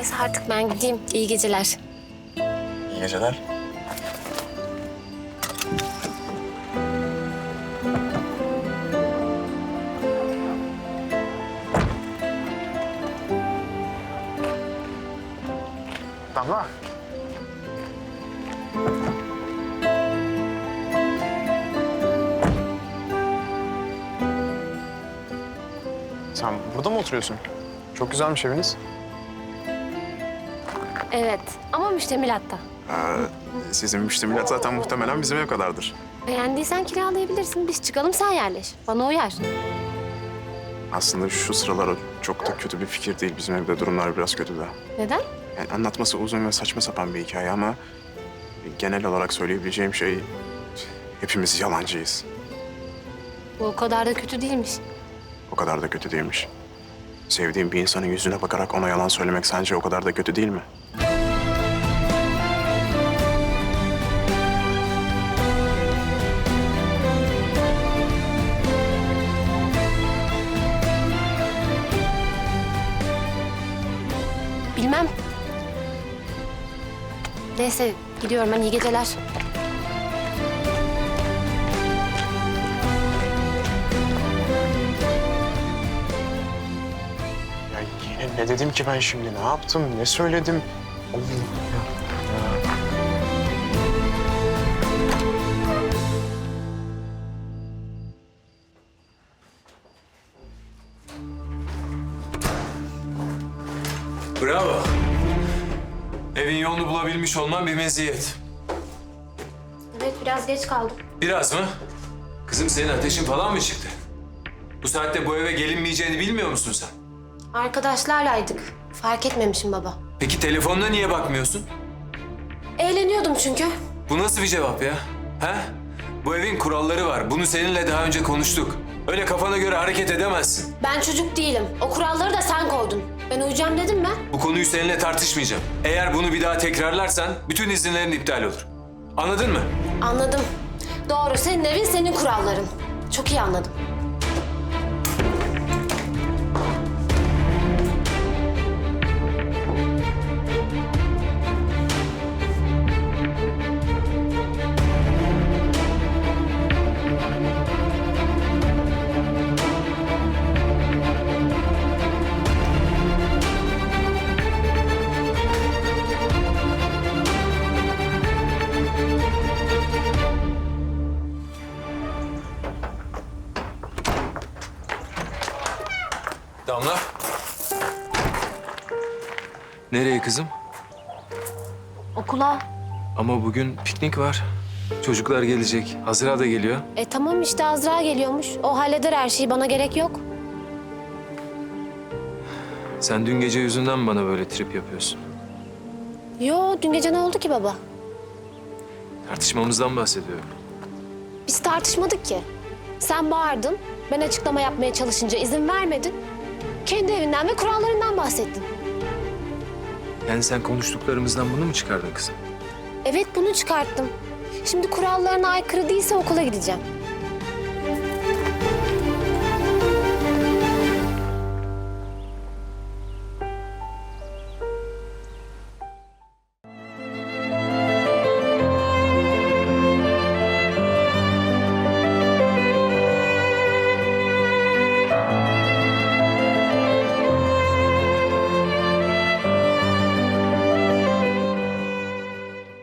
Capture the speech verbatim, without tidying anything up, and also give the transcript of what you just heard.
Neyse artık ben gideyim. İyi geceler. İyi geceler. Damla. Sen burada mı oturuyorsun? Çok güzelmiş eviniz. Evet ama müştemilatta. Ee, sizin müştemilat zaten muhtemelen bizim ev kadardır. Beğendiysen kiralayabilirsin. Biz çıkalım sen yerleş. Bana uyar. Aslında şu sıralar o çok da kötü bir fikir değil. Bizim evde durumlar biraz kötü de. Neden? Yani anlatması uzun ve saçma sapan bir hikaye ama... ...genel olarak söyleyebileceğim şey... ...hepimiz yalancıyız. Bu o kadar da kötü değilmiş. O kadar da kötü değilmiş. Sevdiğim bir insanın yüzüne bakarak ona yalan söylemek sence o kadar da kötü değil mi? Bilmem. Neyse gidiyorum ben. İyi geceler. Ya yine ne dedim ki ben şimdi? Ne yaptım? Ne söyledim? Allah'ım ya. Bravo. Evin yolunu bulabilmiş olman bir meziyet. Evet biraz geç kaldım. Biraz mı? Kızım senin ateşin falan mı çıktı? Bu saatte bu eve gelinmeyeceğini bilmiyor musun sen? Arkadaşlarlaydık. Fark etmemişim baba. Peki telefonuna niye bakmıyorsun? Eğleniyordum çünkü. Bu nasıl bir cevap ya? Ha? Bu evin kuralları var. Bunu seninle daha önce konuştuk. Öyle kafana göre hareket edemezsin. Ben çocuk değilim. O kuralları da sen koydun. Ben uyuyacağım dedim mi? Bu konuyu seninle tartışmayacağım. Eğer bunu bir daha tekrarlarsan bütün izinlerin iptal olur. Anladın mı? Anladım. Doğru. Senin evin, senin kuralların. Çok iyi anladım. Damla. Nereye kızım? Okula. Ama bugün piknik var. Çocuklar gelecek. Hazira da geliyor. E tamam işte Azra geliyormuş. O halleder her şeyi. Bana gerek yok. Sen dün gece yüzünden mi bana böyle trip yapıyorsun? Yo dün gece ne oldu ki baba? Tartışmamızdan bahsediyorum. Biz tartışmadık ki. Sen bağırdın. Ben açıklama yapmaya çalışınca izin vermedin. Kendi evinden ve kurallarından bahsettin. Yani sen konuştuklarımızdan bunu mu çıkardın kızım? Evet bunu çıkarttım. Şimdi kurallarına aykırı değilse okula gideceğim.